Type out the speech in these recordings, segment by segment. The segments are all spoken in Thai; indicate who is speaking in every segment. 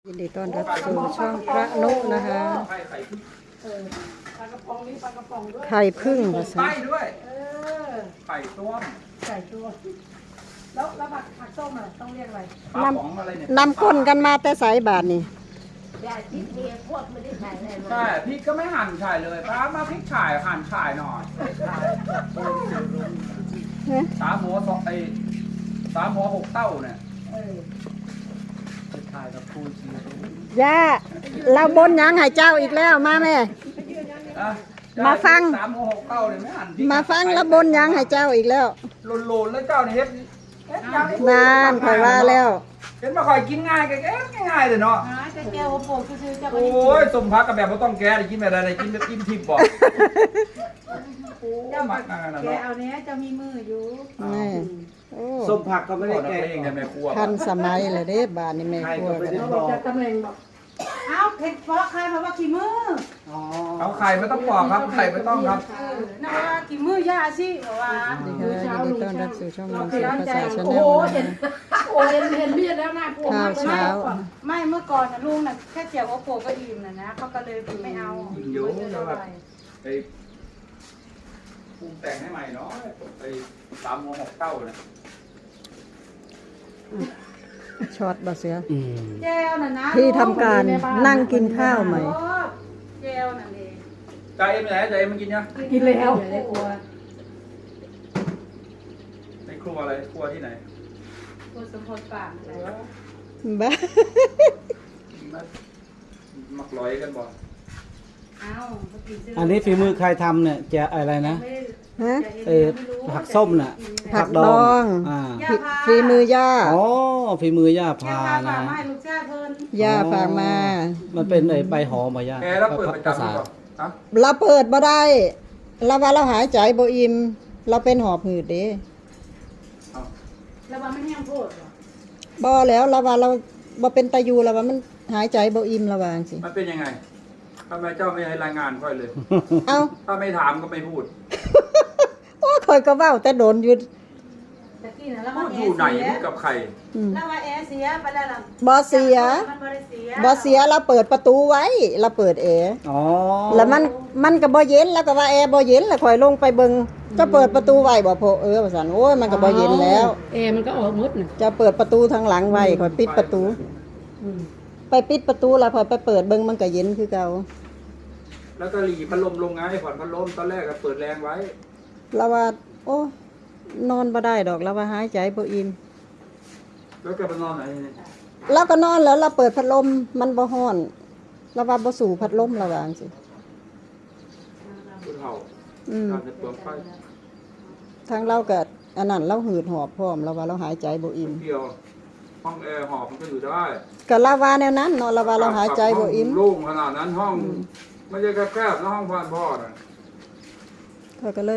Speaker 1: ยินดีต้อนรับสู่ช่องพระนุนะคะ
Speaker 2: ปลากระป๋องนี้ปลากระป๋องด้วย
Speaker 1: ไข่พึ่งภาษา
Speaker 3: ไส้ด้วย
Speaker 2: อ
Speaker 3: ไข่ต้ม
Speaker 2: ใส่ตัวแล้วผักส้มอ่ะต้องเรียกอะไร
Speaker 3: ปลาป๋องอะไรเนี่ย
Speaker 1: นำก้นกันมาแต่สายบาทนี่
Speaker 2: ยาทิพย์เมียพวกไม่ได้ใส่เลย
Speaker 3: ใช่พริกก็ไม่หั่นฉ่ายเลยป้ามาพริกฉ่ายหั่นฉ่ายหน่อยสามหัวสองสามหัว6 เต้าเนี่ย
Speaker 1: ย่าเราบนหยังให้เจ้าอีกแล้วมาแม่
Speaker 3: อ่ะ
Speaker 1: มาฟัง
Speaker 3: สามหัว6 เต้าเนี่ยไม่หั่นพริก
Speaker 1: มาฟังแล้วบนหยังให้เจ้าอีกแล้ว
Speaker 3: โลนๆแล้วเจ้าเนี่ยเฮ็ดยัง
Speaker 1: นานคอยว่าแล้ว
Speaker 3: เห็นมาคอยกินง่ายแกง่ายเลยเนาะ
Speaker 2: จะแก้วโป่งคือจะ
Speaker 3: โอ้ยสมพักกับแบบไม่ต้องแกะกินแบบอะไรกินแบบกินทิพย์บอกโอ้ยมักงานนะ
Speaker 2: แก
Speaker 3: เนาะ
Speaker 2: เอาเนี้ยจะมีมืออยู่
Speaker 1: นี่โอ้
Speaker 4: ส้มผักก็ไม่ได้
Speaker 3: นัก
Speaker 4: แกะ
Speaker 3: เลงเนี่ยแม่ครัว
Speaker 1: ทันสมัยเลยเด้บาทนี่แม่ครัวกัน
Speaker 2: เราบอกจะตำแหน่งบอกเอ้าเผ็ดเพราะใครเพราะว่าขี้มือ
Speaker 4: อ๋อ
Speaker 3: เอาไข่ไม่ต้องปอกครับไข่ไม่ต้องครับ
Speaker 2: น่าว่าขี้มือยาสิเพราะว่า
Speaker 1: สวัสดีค่ะยินดีต้อนรับสู่ช่องมังสวิรัติภาษาชา
Speaker 2: โอ้
Speaker 1: แน
Speaker 2: โห
Speaker 1: ลนะ
Speaker 2: เห็น
Speaker 1: คะ
Speaker 2: โอ้เห็นมีดแล้วน่ากลัว
Speaker 1: ข้าวเช้า
Speaker 2: ไม่เมื่อก่อนนะลุงน่ะแค่เจียวโอโปก็อิ่มนะเขาก็เลยไม่เอา
Speaker 3: อิ่มอยู่แล้วแบบ ไอ้ปรุงแต่งให้ใหม่เนาะไอ้สามหัว6 เต้าเนี่ย
Speaker 1: ช็อตบะเสือ
Speaker 2: แจวน่ะนะ
Speaker 1: ที่ทำการนั่งกินข้าวใหม่
Speaker 2: แจวน่ะเอง
Speaker 3: ใจเอ็มไหนใจเอ็มมันกินยัง
Speaker 2: กินแล้วในครัว
Speaker 3: ในครัวอะไรครัวที่ไหน
Speaker 2: ครัวสมพรปาก
Speaker 1: บ้า
Speaker 3: มักร้อยกันบ่
Speaker 2: เอ้า
Speaker 4: อันนี้ฝีมือใครทำเนี่ยจะอะไรนะ
Speaker 1: ฮะ
Speaker 4: ผักส้มน่ะ
Speaker 1: ผักดอง
Speaker 4: อ่า
Speaker 1: ฝีมือย่า
Speaker 4: อ๋อฝีมือย่า
Speaker 2: แก
Speaker 4: พา
Speaker 2: พา
Speaker 4: นะ
Speaker 2: มาให้ลูกชายเพิ่น
Speaker 1: ย่าฝากมา
Speaker 4: มันเป็นไอ้ใบหอมมาย่า
Speaker 3: แกแล้วเปิดประจำ
Speaker 4: ภาษา
Speaker 3: หรือเปล่าฮะ
Speaker 1: เราเปิดบ่ได้เราว่าเราหายใจบ่อิ่มเราเป็นหอบหืดเด้
Speaker 3: เอา
Speaker 2: แล้วว่ามันแห้งโพดเหรอ
Speaker 1: บ่แล้วเราว่าเราบ่เป็นตายูเราว่ามันหายใจบ่อิ่มระวาจังสิ
Speaker 3: มันเป็นยังไงทำไมเจ้าไม่ให้รายงานค่อยเลย
Speaker 1: เอ้า
Speaker 3: ถ้าไม่ถามก็ไม่พูด
Speaker 1: โอ้ข่อยก็เว้าแต่โดนอยู่
Speaker 2: ตะกี้น่ะแล้ว
Speaker 3: พู
Speaker 2: ว่า
Speaker 3: ด
Speaker 2: แอ
Speaker 3: อยู่
Speaker 2: ร์
Speaker 3: ไหน
Speaker 2: เสีย
Speaker 3: พูดกับใคร
Speaker 1: อืม
Speaker 2: แล้วว่าแอร์เสียไปแล้วล่ะ
Speaker 1: บ่เสีย
Speaker 2: มันบ่ได้เสีย
Speaker 1: บ่เสียเราเปิดประตูไว้เราเปิดแอร์
Speaker 4: อ๋อ
Speaker 1: แล้วมันก็บ่เย็นแล้วก็ว่าแอร์บ่เย็นแล้วข่อยลงไปเบิ่งจะเปิดประตูไว้บ่โพว่าซั่นโอ้ยมันก็บ่เย็นแล้ว
Speaker 2: มันก็ออกมดน่ะ
Speaker 1: จะเปิดประตูทางหลังไว้ข่อยปิดประตู ไปปิดประตูแล้วข่อยไปเปิดเบิ่งมันก็เย็นคือเก่า
Speaker 3: แล้วก็หลีพัดลมลงไงผ่อนพัดลมตอนแรกก็เปิดแรงไว้
Speaker 1: เราว่าโอ้นอนบ่ได้ดอกเราว่าหายใจบ่อิ่ม
Speaker 3: แล้วก็ไปนอนไหนเนี่ย
Speaker 1: เราก็นอนแล้วเราเปิดพัดลมมันบ่ฮ้อนเราว่าบ่สู่พัดลมเราว่าจังซี่
Speaker 3: ผู้เฒ่า
Speaker 1: อืม
Speaker 3: การจะเปลืองไฟ
Speaker 1: ทางเราก็อันนั้นเราหืดหอบพร้อมเราว่าเราหายใจบ่อิ่ม
Speaker 3: เดียวห้องแอร์หอบมันก็อยู่ได้
Speaker 1: ก็เราว่าแนวนั้นเนาะเราว่าเราหายใจบ่อิ่ม
Speaker 3: ห้งโล่งขนาดนั้นห้องไม่ใช่แคบๆแล้วห้องพ่อน่ะ
Speaker 1: เขาก็เลย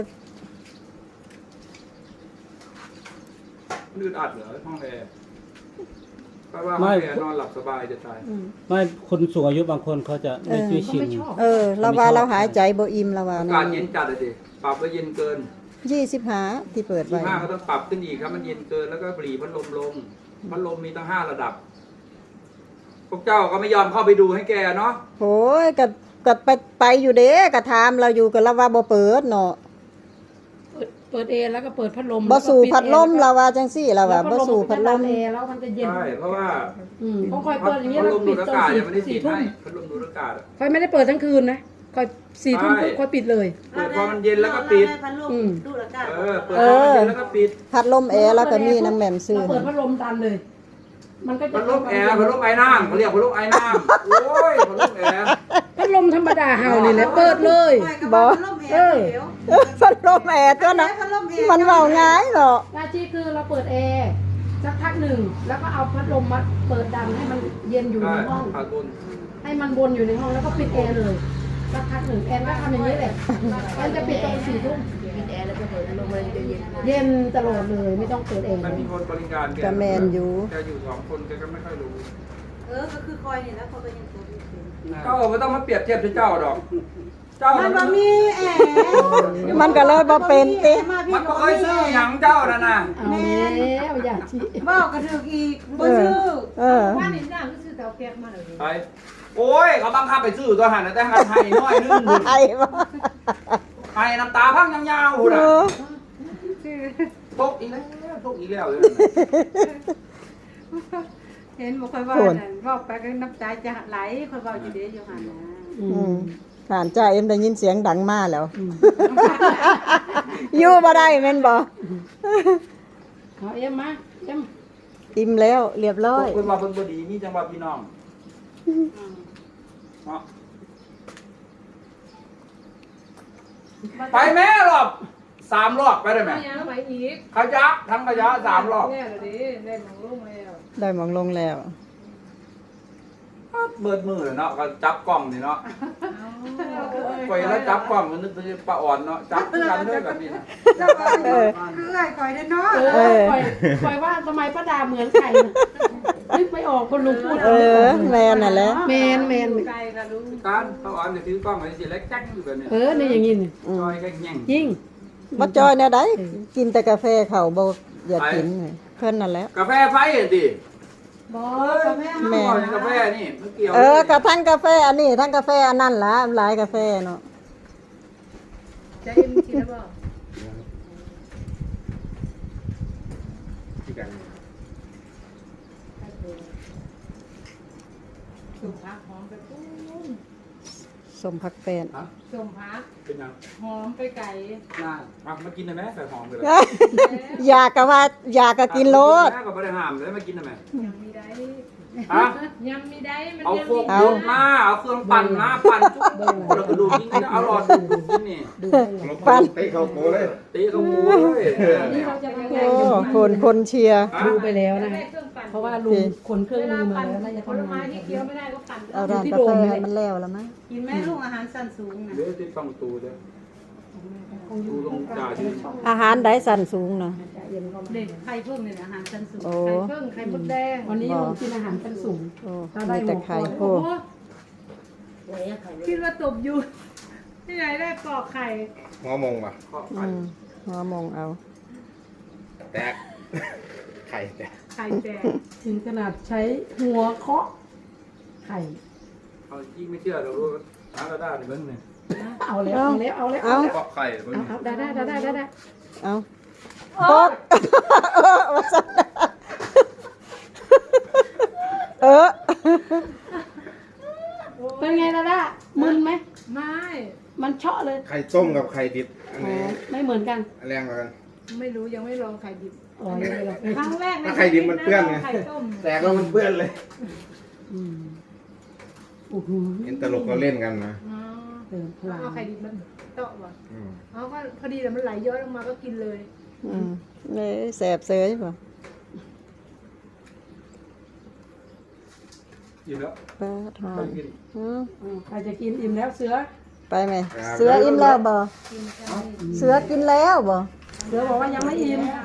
Speaker 3: ลื่นอัดเหรอห้องแอร์เพราะว่าห้องแอร์นอนหลับสบายจะตาย
Speaker 4: ไม่คนสูงอายุบางคนเขาจะไม่ช่วยชิน
Speaker 1: เราว่าเราหายใจบ่อิ่มเราว่า
Speaker 3: อา
Speaker 1: แน
Speaker 3: กาว ศเย็นจัดเลยดิปรับแล้วเย็นเกิน
Speaker 1: 25ที่เปิดไว้
Speaker 3: 25ก็ต้องปรับขึ้นอีกครับมันเย็นเกินแล้วก็ปรีพัดลมลงพัดลมมีตั้ง5 ระดับ พวกเจ้าก็ไม่ยอมเข้าไปดูให้แกเนาะ
Speaker 1: โหยก็ไปอยู่เด้ก็ถามเราอยู่ก็เราว่าบ่เปิดเนาะ
Speaker 5: เปิดเอแล้วก็เปิดพัดลม
Speaker 1: บ่สู่พัดลมเราว่าจังซี่เราว่าบ่สู่พัดลม
Speaker 5: เอแล้วมันจะเย็น
Speaker 3: ใช่เพราะว่า
Speaker 5: ของคอย
Speaker 3: พั
Speaker 5: เปิดอย่างนี้
Speaker 3: ด
Speaker 5: แล้ว
Speaker 3: ลมดู
Speaker 5: ปิด
Speaker 3: ดอา
Speaker 5: ตอน
Speaker 3: กาศยังไม่ได้
Speaker 5: สี่
Speaker 3: ติด
Speaker 5: ทุ่ม
Speaker 3: ให้พัดลมดูดอากาศอะ
Speaker 5: คอยไม่ได้เปิดทั้งคืนนะคอย4 ทุ่ม
Speaker 3: ใช่
Speaker 5: คอยปิดเลย
Speaker 3: เปิดพอมันเย็นแล้วก็ปิด
Speaker 2: พัดลมดูดอากาศ
Speaker 3: เปิดพอมันเย็นแล้วก็ปิด
Speaker 1: พัดลมแอร์แล้วก็มีน้ำแหม่มซื้อ
Speaker 5: เราเปิดพัดลมตันเลย มันก็จะ
Speaker 3: พัดลมแอร์พัดลมไอ้น้ำเขาเรียกพัดลมไอ้น้ำโอ้ยพัดลมแอร์
Speaker 5: พัดลมธรรมดาเห่านี่แหละเปิดเลย
Speaker 1: พัดลมแอร์ตัวนั้นมันเว้าง่ายเนาะ
Speaker 5: หน้าที่คือเราเปิดแอร์สักพักหนึ่งแล้วก็เอาพัดลมมาเปิดดันให้มันเย็นอยู่
Speaker 3: ใช่
Speaker 5: ในห้อง
Speaker 3: พัดลม
Speaker 5: ให้มันวนอยู่ในห้องแล้วก็ปิดแอร์เลยสักพักหนึ่งแอนก็ทำอย่างนี้แหละแอนจะปิดตอน4 ทุ่ม
Speaker 2: ปิดแอร์แล้วก็เปิดพัดลมมันจะเย็น
Speaker 5: เย็นตลอดเลยไม่ต้องเปิดแอร์
Speaker 3: มันมีคนบริการแก
Speaker 1: ก็แม่นอยู่
Speaker 3: แกอยู่2 คนแกก็ไม่ค่อยรู้
Speaker 2: ก็คือคอยนี่แล้วเขาก็ยังตัวอยู่
Speaker 3: ก็ไม่ต้องมาเปรียบเทียบกับเจ้าดอกเจ้า
Speaker 2: มัน
Speaker 3: มั
Speaker 2: บ่
Speaker 3: น
Speaker 2: มีแอ
Speaker 1: มันก็เลยบ่เป็นติ
Speaker 3: มันบ่เคยซื้อหยังเจ้านั่นน่ะ
Speaker 5: เอาแล้วอย่าชี้
Speaker 2: บอกกระถึกอีกบ่ซื้อ
Speaker 1: เออ
Speaker 5: ว่านี่จ้าก็ซื้อเตาแก๊สมาเลย
Speaker 3: ไปโอ้ยเขาบังคับไปซื้อตัวหันนะแต่หันไห้น้อยนึง
Speaker 1: ไอ้บ่
Speaker 3: ไห้น้ำตาพังยาวๆหุ่น
Speaker 1: เอ
Speaker 3: อ่ะ
Speaker 1: อ
Speaker 3: ตกอีกแล้วตกอีกแล้วเลย
Speaker 2: เห็นบ่ค่อยว่านั่นบอกไปก็น้ำตาจะไหลค่อยเว้าอยู่เด้อยู่หั่นนะ
Speaker 1: อืมผ่านจ่าเอ็มได้ยินเสียงดังมาแล้ว อยู่บ่ได้แม่นบ่
Speaker 5: เอาเอ็มมาเอ็ม
Speaker 1: อิ่มแล้วเรียบร้อย
Speaker 3: เพิ่นว่าเพิ่นบ่ดีมีจังหวะพี่น้องเนาะไปแม่รอบ3รอบไปได้ไหม
Speaker 5: ยังไปอีก
Speaker 3: ขยะทั้งขยะ3รอบ
Speaker 5: แน่เลยดิได้หมองลงแล้ว
Speaker 1: ได้หมองลงแล้ว
Speaker 3: เบิดมือเนาะก็จับกล้องนี่เนาะไปแล้วจับกล้องมันนึกถึงป้าอ่อนเนาะจับกันด้วยแบบนี้นะ
Speaker 2: แล้วก็เอื้อยข่อยเด้อเนาะ
Speaker 5: ปล่อยว่าทำไมป้าดาเหมือนไก่นึกไม่ออกคนลุงพูด
Speaker 1: เออแม่นน่ะแหละ
Speaker 5: แมน
Speaker 2: ไกลก็รู้
Speaker 3: การป้าอ่อนเนี่ยถือกล้องไว้สิแล้วจักอยู่แบบนี้
Speaker 5: เนี่ยอย่างงี้นี่
Speaker 3: จอยก็แง่ง
Speaker 5: ยิ่ง
Speaker 1: บ่จอยแนวใดกินแต่กาแฟเขาบ่อยากกินเพิ่นนั่นแหละ
Speaker 3: กาแฟไฟเห็นดิ
Speaker 2: บ่ก็แม่
Speaker 1: แม่
Speaker 3: กาแฟนี่มันเกี่ยว
Speaker 1: กระทั่งกาแฟอันนี้ทั้งกาแฟอันนั้นล่ะหลายกาแฟเนาะ
Speaker 5: จะเอ็มกินแล้วบ่ สุ่มพักหอมไปปุ้ง
Speaker 1: สมผักแฟน
Speaker 3: ฮะ
Speaker 5: สุ่มพัก
Speaker 3: เป็นยัง
Speaker 5: หอมไปไก่
Speaker 3: น่ามากินได้ไหมใส่หอมไปเลย
Speaker 1: อยากก็ว่าอยากก็กินโลด
Speaker 3: ก็ไม่ได้ห้ามเลยมากินได้ไหม
Speaker 5: ยังมีได้
Speaker 3: ฮะ
Speaker 5: ยังมีได้มัน
Speaker 3: เอา
Speaker 5: ยัง
Speaker 3: โค
Speaker 5: มี
Speaker 3: กยกมาเอาเครื่องปั่นมาปั่นทุกคนเราก็ดูกินเอาหลอดดูกินนี่
Speaker 1: ปั่น
Speaker 6: เตะเข้าโกเลย
Speaker 3: ตีเขาหมูเลย
Speaker 5: นี่เราจะไป
Speaker 1: โอ้คนเชียร์
Speaker 5: ดูไปแล้วนะได้เครื่องปั่นเพราะว่าลุงขนเครื่องมือมาแล้วน่าจะ
Speaker 2: ผล
Speaker 5: ทำ
Speaker 2: ไม้
Speaker 5: งาน
Speaker 2: ที่เคี้ยวไม่ได้ก็ปั่น
Speaker 1: เอาร้านกาแฟให้มันแล้วแล้วมั้ย
Speaker 2: กินแม่ลูกอาหารสั้นสูงน่ะ
Speaker 3: เดี๋ยวติดต้องตูเด้อตูลงจ่าที่
Speaker 1: อาหารใดสั่นสูงเนาะ
Speaker 2: เด็กไข่เพิ่มเนี่ยอาหารชั้นสูง
Speaker 1: โอ้
Speaker 5: ไข่เพิ่งไข่มดแดงวันนี้ลุงกินอาหารชั้นสูง
Speaker 1: โอ้มีแต่ไข่โอ้
Speaker 2: คิดว่าตบอยู่ที่ไหนได้ปอกไข่
Speaker 6: หัวมงป่ะ
Speaker 3: ข้อ
Speaker 1: อื
Speaker 3: ปั่น
Speaker 1: มหัวมองเอา
Speaker 6: แตก ไข่แตก
Speaker 2: ไข่แตก
Speaker 5: ถึงขนาดใช้หัวเคาะไข่
Speaker 3: เอาที่ไม่เชื่อเรารู้หากระดาษในเบื้องนี่
Speaker 5: เอาแล้วเอาแล้วเอาแล้ว
Speaker 1: เอา
Speaker 3: เกาะไข่เบื้อง
Speaker 5: เอา
Speaker 3: นี่
Speaker 5: ได้
Speaker 1: เอาตกว่าซั่นเออ
Speaker 5: เป็นไงล่ะล่ะมึนไหม
Speaker 2: ไม่
Speaker 5: มันเชาะเลย
Speaker 6: ไข่ต้มกับไข่ดิบอันไหน
Speaker 5: ไม่เหมือนกัน
Speaker 6: แรงกว่ากัน
Speaker 2: ไม่รู้ยังไม่ลองไข่ดิบ
Speaker 5: อ๋อยังไม่หรอก
Speaker 2: ครั้งแรกใน
Speaker 6: ถ้าไข่ดิบมันเปื้อนไง
Speaker 2: ไข่ต้ม
Speaker 6: แตกแล้วมันเปื้อนเลย
Speaker 5: โอ้โห
Speaker 6: เห็นตลกก็เล่นกันนะ
Speaker 2: อ๋อ
Speaker 5: เติมพลัง
Speaker 2: เอาไข่ดิบมันเตาะว่ะ
Speaker 6: อืม
Speaker 2: เอาก็พอดีแต่มันไหลย้อยลงมาก็กินเลย
Speaker 1: อืมนี่แสบเสยป่ะ
Speaker 3: กินแล้ว
Speaker 1: ป้าทอ
Speaker 3: ไป
Speaker 1: น
Speaker 3: กิน
Speaker 5: ใครจะกินอิ่มแล้วเสือ
Speaker 1: ไปไหมเสืออิ่มแล้วบ่เสือกินแล้วบ่
Speaker 5: เสือบอกว่ายังไม่อิ่ม